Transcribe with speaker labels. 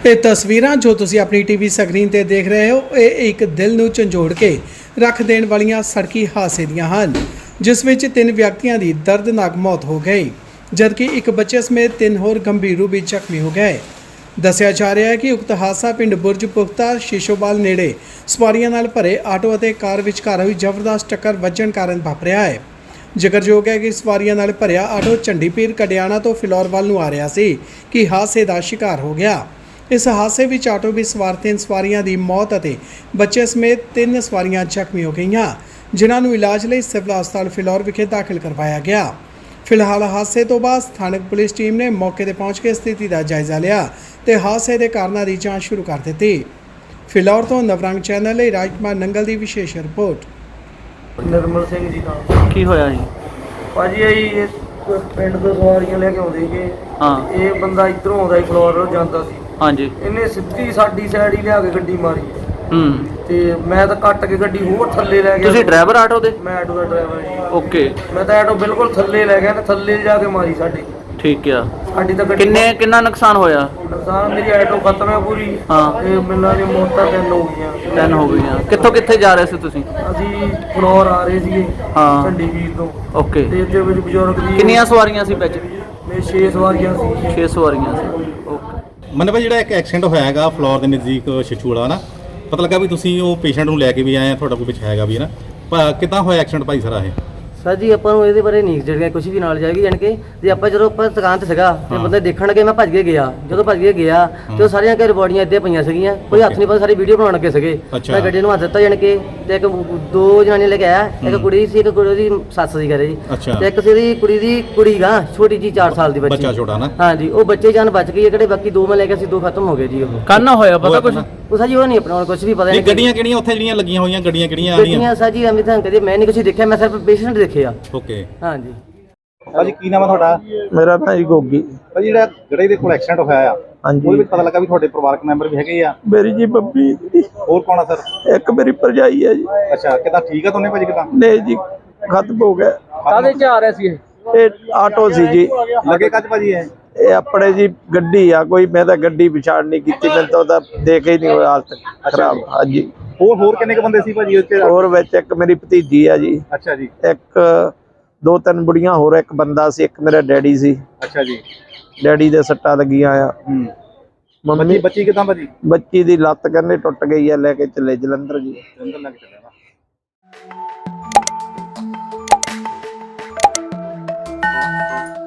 Speaker 1: ਇਹ ਤਸਵੀਰਾਂ ਜੋ ਤੁਸੀਂ ਆਪਣੀ ਟੀਵੀ ਸਕਰੀਨ ਤੇ ਦੇਖ ਰਹੇ ਹੋ ਇਹ ਇੱਕ ਦਿਲ ਨੂੰ ਝੰਜੋੜ ਕੇ ਰੱਖ ਦੇਣ ਵਾਲੀਆਂ ਸੜਕੀ ਹਾਦਸੇ ਦੀਆਂ ਹਨ, ਜਿਸ ਵਿੱਚ 3 ਵਿਅਕਤੀਆਂ ਦੀ ਦਰਦਨਾਕ ਮੌਤ ਹੋ ਗਈ ਜਦਕਿ ਇੱਕ ਬੱਚੇ ਸਮੇਤ 3 ਹੋਰ ਗੰਭੀਰ ਰੂਪ ਵਿੱਚ ਜ਼ਖਮੀ ਹੋ ਗਏ। ਦੱਸਿਆ ਜਾ ਰਿਹਾ ਹੈ ਕਿ ਉਕਤ ਹਾਦਸਾ ਪਿੰਡ ਬੁਰਜ ਪੁਖਤਾ ਸ਼ੀਸ਼ੋਵਾਲ ਨੇੜੇ ਸਵਾਰੀਆਂ ਨਾਲ ਭਰੇ ਆਟੋ ਅਤੇ ਕਾਰ ਵਿਚਕਾਰ ਹੋਈ ਜ਼ਬਰਦਸਤ ਟੱਕਰ ਵੱਜਣ ਕਾਰਨ ਵਾਪਰਿਆ ਹੈ। ਜ਼ਿਕਰਯੋਗ ਹੈ ਕਿ ਸਵਾਰੀਆਂ ਨਾਲ ਭਰਿਆ ਆਟੋ ਚੰਡੀਪੀਰ ਕਡਿਆਣਾ ਤੋਂ ਫਿਲੌਰ ਵੱਲ ਨੂੰ ਆ ਰਿਹਾ ਸੀ ਕਿ ਹਾਦਸੇ ਦਾ ਸ਼ਿਕਾਰ ਹੋ ਗਿਆ। ਇਸ ਹਾਦਸੇ ਵਿੱਚ ਆਟੋ ਵਿੱਚ ਸਵਾਰ 3 ਸਵਾਰੀਆਂ ਦੀ ਮੌਤ ਅਤੇ ਬੱਚੇ ਸਮੇਤ 3 ਸਵਾਰੀਆਂ ਜ਼ਖਮੀ ਹੋ ਗਈਆਂ, ਜਿਨ੍ਹਾਂ ਨੂੰ ਇਲਾਜ ਲਈ ਸਿਵਲ ਹਸਪਤਾਲ ਫਿਲੌਰ ਵਿਖੇ ਦਾਖਲ ਕਰਵਾਇਆ ਗਿਆ। ਫਿਲਹਾਲ ਹਾਦਸੇ ਤੋਂ ਬਾਅਦ ਸਥਾਨਕ ਪੁਲਿਸ ਟੀਮ ਨੇ ਮੌਕੇ ਤੇ ਪਹੁੰਚ ਕੇ ਸਥਿਤੀ ਦਾ ਜਾਇਜ਼ਾ ਲਿਆ ਤੇ ਹਾਦਸੇ ਦੇ ਕਾਰਨਾਂ ਦੀ ਜਾਂਚ ਸ਼ੁਰੂ ਕਰ ਦਿੱਤੀ। ਫਿਲੌਰ ਤੋਂ ਨਵਰੰਗ ਚੈਨਲ ਲਈ ਰਾਜਕੁਮਾਰ ਨੰਗਲ ਦੀ ਵਿਸ਼ੇਸ਼ ਰਿਪੋਰਟ।
Speaker 2: ਨਿਰਮਲ ਸਿੰਘ ਜੀ ਨਾਲ
Speaker 3: ਕੀ ਹੋਇਆ ਜੀ?
Speaker 2: ਭਾਜੀ ਇਹ ਪਿੰਡ ਤੋਂ ਸਵਾਰੀਆਂ ਲੈ ਕੇ ਆਉਂਦੇ ਸੀਗੇ।
Speaker 3: ਹਾਂ।
Speaker 2: ਇਹ ਬੰਦਾ ਇੱਧਰੋਂ ਆਉਂਦਾ ਸੀ, ਫਲੋਰ ਜਾਂਦਾ ਸੀ।
Speaker 3: ਹਾਂਜੀ।
Speaker 2: ਇਹਨੇ ਸਿੱਧੀ ਸਾਡੀ ਸਾਈਡ ਹੀ ਲਿਆ ਕੇ ਗੱਡੀ ਮਾਰੀ ਤੇ ਮੈਂ ਤਾਂ ਕੱਟ ਕੇ ਗੱਡੀ ਹੋਰ ਥੱਲੇ ਲੈ ਗਿਆ।
Speaker 3: ਤੁਸੀਂ ਡਰਾਈਵਰ ਆਟੋ ਦੇ?
Speaker 2: ਮੈਂ ਆਟੋ ਦਾ ਡਰਾਈਵਰ ਜੀ।
Speaker 3: ਓਕੇ।
Speaker 2: ਮੈਂ ਤਾਂ ਆਟੋ ਬਿਲਕੁਲ ਥੱਲੇ ਲੈ ਗਿਆ ਤੇ ਥੱਲੇ ਜਾ ਕੇ ਮਾਰੀ ਸਾਡੀ।
Speaker 3: ਠੀਕ ਆ।
Speaker 2: ਸਾਡੀ ਤਾਂ ਗੱਡੀ
Speaker 3: ਕਿੰਨਾ ਨੁਕਸਾਨ ਹੋਇਆ?
Speaker 2: ਨੁਕਸਾਨ ਮੇਰੀ ਆਟੋ ਖਤਮ ਹੈ ਪੂਰੀ।
Speaker 3: ਹਾਂ।
Speaker 2: ਤੇ ਮੈਨੂੰ ਇਹ ਮੌਤਾਂ 3 ਹੋ ਗਈਆਂ।
Speaker 3: 3 ਹੋ ਗਈਆਂ। ਕਿੱਥੇ ਜਾ ਰਹੇ ਸੀ ਤੁਸੀਂ?
Speaker 2: ਅਸੀਂ ਫਲੋਰ ਆ ਰਹੇ ਸੀਗੇ।
Speaker 3: ਹਾਂ।
Speaker 2: ਚੰਡੀਗੜ੍ਹ ਤੋਂ।
Speaker 3: ਓਕੇ।
Speaker 2: ਤੇ ਇਹਦੇ ਵਿੱਚ ਬਜ਼ੁਰਗ ਦੀ
Speaker 3: ਕਿੰਨੀਆਂ ਸਵਾਰੀਆਂ ਸੀ ਵਿੱਚ?
Speaker 2: ਮੇਰੇ 6 ਸਵਾਰੀਆਂ ਸੀ।
Speaker 3: 6 ਸਵਾਰੀਆਂ ਸੀ। ਓਕੇ।
Speaker 4: ਮੈਨੂੰ ਭਾਈ ਜਿਹੜਾ ਇੱਕ ਐਕਸੀਡੈਂਟ ਹੋਇਆ ਹੈਗਾ ਫਲੋਰ ਦੇ ਨਜ਼ਦੀਕ ਛਛੂੜਾ ਨਾ, ਪਤਾ ਲੱਗਾ ਵੀ ਤੁਸੀਂ ਉਹ ਪੇਸ਼ੈਂਟ ਨੂੰ ਲੈ ਕੇ ਵੀ ਆਏ ਆ, ਤੁਹਾਡਾ ਕੋਈ ਪਿੱਛੇ ਹੈਗਾ ਵੀ ਹੈ ਨਾ, ਕਿੱਦਾਂ ਹੋਇਆ ਐਕਸੀਡੈਂਟ ਭਾਈ ਸਾਰਾ ਇਹ?
Speaker 5: ਸਰ ਜੀ ਆਪਾਂ ਨੂੰ ਇਹਦੇ ਬਾਰੇ ਨਹੀਂ ਜਿਹੜੀਆਂ ਕੁਝ ਵੀ ਨਾਲ ਜਾਏਗੀ, ਜਾਣ ਕੇ ਜੇ ਆਪਾਂ ਜਦੋਂ ਆਪਾਂ ਦੁਕਾਨ ਤੇ ਸੀਗਾ ਤੇ ਬੰਦੇ ਦੇਖਣ ਲੱਗੇ, ਮੈਂ ਭੱਜ ਕੇ ਗਿਆ। ਜਦੋਂ ਭੱਜ ਕੇ ਗਿਆ ਤੇ ਉਹ ਸਾਰੀਆਂ ਘਰ ਬੋਡੀਆਂ ਇੱਥੇ ਪਈਆਂ ਸੀਗੀਆਂ, ਕੋਈ ਹੱਥ ਨਹੀਂ ਪਾ, ਸਾਰੀ ਵੀਡੀਓ ਬਣਾਉਣ ਲੱਗੇ ਸੀਗੇ। ਮੈਂ ਗੱਡੀ ਨੂੰ ਹੱਥ ਦਿੱਤਾ ਜਾਣ ਕੇ, ਤੇ ਇੱਕ 2 ਜਨਾਨੀਆਂ ਲੈ ਕੇ ਆਇਆ, ਇੱਕ ਕੁੜੀ ਸੀ, ਇੱਕ ਕੁੜੀ ਦੀ ਸੱਸ ਸੀ ਘਰੇ ਜੀ, ਤੇ ਇੱਕ ਸੀ ਦੀ ਕੁੜੀ ਦੀ ਕੁੜੀ ਗਾ ਛੋਟੀ ਜੀ 4 ਸਾਲ ਦੀ ਬੱਚੀ।
Speaker 4: ਬੱਚਾ ਛੋਟਾ ਨਾ?
Speaker 5: ਹਾਂਜੀ। ਉਹ ਬੱਚੇ ਜਾਨ ਬਚ ਗਈ, ਕਿਹੜੇ ਬਾਕੀ 2 ਮੈਂ ਲੈ ਕੇ ਸੀ, 2 ਖਤਮ ਹੋ ਗਏ ਜੀ। ਉਹ
Speaker 3: ਕੰਨ ਹੋਇਆ ਪਤਾ ਕੁਝ?
Speaker 5: ਉਹ ਸਾਜੀ ਉਹ ਨਹੀਂ ਆਪਣਾ ਕੁਝ ਵੀ ਪਤਾ ਨਹੀਂ।
Speaker 4: ਗੱਡੀਆਂ ਕਿਹੜੀਆਂ ਉੱਥੇ ਜਿਹੜੀਆਂ ਲੱਗੀਆਂ ਹੋਈਆਂ, ਗੱਡੀਆਂ ਕਿਹੜੀਆਂ ਆ ਰਹੀਆਂ?
Speaker 5: ਗੱਡੀਆਂ ਸਾਜੀ ਅਮਿਤ ਹਾਂ ਕਦੇ ਮੈਂ ਨਹੀਂ ਕੁਝ ਦੇਖਿਆ, ਮੈਂ ਸਿਰਫ ਪੇਸ਼ੈਂਟ ਦੇਖਿਆ।
Speaker 4: ਓਕੇ।
Speaker 5: ਹਾਂਜੀ।
Speaker 4: ਭਾਜੀ ਕੀ ਨਾਮ ਹੈ ਤੁਹਾਡਾ?
Speaker 6: ਮੇਰਾ ਨਾਂ ਜੀ ਗੋਗੀ।
Speaker 4: ਭਾਜੀ ਜਿਹੜਾ ਜਿਹੜੇ ਦੇ ਕੋਲ ਐਕਸੀਡੈਂਟ ਹੋਇਆ ਆ,
Speaker 6: ਹਾਂਜੀ।
Speaker 4: ਉਹਦੇ ਵਿੱਚ ਪਤਾ ਲੱਗਾ ਵੀ ਤੁਹਾਡੇ ਪਰਿਵਾਰਕ ਮੈਂਬਰ ਵੀ ਹੈਗੇ ਆ?
Speaker 6: ਮੇਰੀ ਜੀ ਬੱਬੀ।
Speaker 4: ਹੋਰ ਕੌਣ ਆ ਸਰ?
Speaker 6: ਇੱਕ ਮੇਰੀ ਭਰਜਾਈ ਹੈ ਜੀ।
Speaker 4: ਅੱਛਾ, ਕਿੱਦਾਂ ਠੀਕ ਆ ਦੋਨੇ ਭਾਜੀ? ਕਿੱਦਾਂ
Speaker 6: ਨਹੀਂ ਜੀ, ਖਤਮ ਹੋ ਗਿਆ।
Speaker 2: ਕਾਹਦੇ ਚ ਆ ਰਹੇ ਸੀ
Speaker 6: ਇਹ ਆਟੋ ਸੀ ਜੀ।
Speaker 4: ਲੱਗੇ ਕੱਜ ਭਾਜੀ
Speaker 6: ਇਹ ਆਪਣੇ ਜੀ ਗੱਡੀ ਆ ਕੋਈ, ਮੈਂ ਤਾਂ ਗੱਡੀ ਵਿਚਾਰ ਨਹੀਂ ਕੀਤੀ, ਮੈਨੂੰ ਤਾਂ ਉਹਦਾ ਦੇਖ ਹੀ ਨਹੀਂ ਹੋਇਆ, ਹਾਲਤ ਖਰਾਬ। ਹਾਂਜੀ।
Speaker 4: ਹੋਰ ਕਿੰਨੇ ਕ ਬੰਦੇ ਸੀ ਭਾਜੀ ਉੱਥੇ?
Speaker 6: ਹੋਰ ਵਿੱਚ ਇੱਕ ਮੇਰੀ ਭਤੀਜੀ ਆ ਜੀ।
Speaker 4: ਅੱਛਾ ਜੀ।
Speaker 6: ਇੱਕ 2-3 ਬੁੜੀਆਂ ਹੋਰ, ਇੱਕ ਬੰਦਾ ਸੀ, ਇੱਕ ਮੇਰਾ ਡੈਡੀ ਸੀ।
Speaker 4: ਅੱਛਾ ਜੀ।
Speaker 6: ਡੈਡੀ ਦੇ ਸੱਟਾਂ ਲੱਗੀਆਂ ਆ। ਮੰਮੀ
Speaker 4: ਬੱਚੀ ਕਿੱਦਾਂ ਭਾਜੀ?
Speaker 6: ਬੱਚੀ ਦੀ ਲੱਤ ਕਹਿੰਦੇ ਟੁੱਟ ਗਈ ਆ, ਲੈ ਕੇ ਚੱਲੇ ਜਲੰਧਰ ਜੀ।
Speaker 4: ਜਲੰਧਰ ਲੈ ਕੇ ਚੱਲੇ ਨਾ।